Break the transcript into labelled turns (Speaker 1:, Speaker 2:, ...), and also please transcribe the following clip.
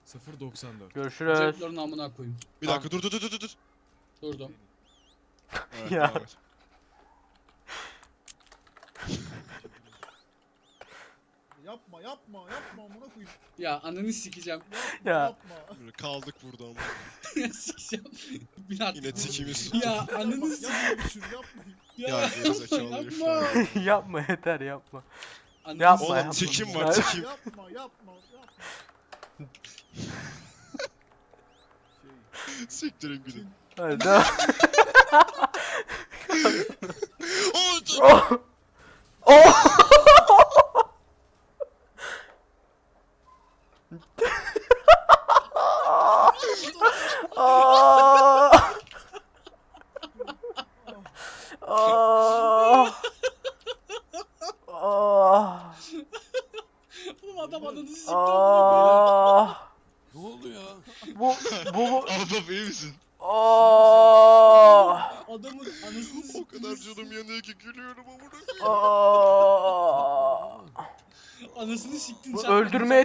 Speaker 1: 0.94.
Speaker 2: Görüşürüz.
Speaker 3: Ceplerin amına koyayım.
Speaker 4: Bir dakika dur.
Speaker 3: Durdum.
Speaker 4: Evet,
Speaker 2: Ya.
Speaker 4: devam et.
Speaker 1: Yapma amına koyayım.
Speaker 3: Ya ananı sikeceğim.
Speaker 2: Ya.
Speaker 1: Yapma.
Speaker 4: Böyle kaldık burada ama.
Speaker 3: Sikeceğim. Bir dakika.
Speaker 4: Yine tikimiz.
Speaker 3: Ya ananı sikeceğim.
Speaker 1: Yapma şunu yapmayın.
Speaker 3: Ya
Speaker 4: Ya gerizekalı herif ya.
Speaker 2: Yapma yeter yapma.
Speaker 3: Ananı
Speaker 2: Yapma,
Speaker 4: Oğlum
Speaker 2: yapma.
Speaker 4: tikim var
Speaker 2: Hayır.
Speaker 4: tikim.
Speaker 1: Yapma.
Speaker 4: Siktirin gülüm.
Speaker 2: Hadi devam.
Speaker 4: Oo, dur.
Speaker 2: Oh! Oh! Ah! Ah! Ah!
Speaker 3: Oğlum adam ananı sikti.
Speaker 2: Ah!
Speaker 1: Ne oldu ya?
Speaker 2: Bu
Speaker 4: Ahbap iyi misin?
Speaker 2: Ah!
Speaker 3: Adamın anasını sikti.
Speaker 4: O kadar canım yanıyor ki gülüyorum amına koyayım.
Speaker 2: Ah!
Speaker 3: Anasını siktin.
Speaker 2: Bu
Speaker 3: çarpma.
Speaker 2: öldürmeye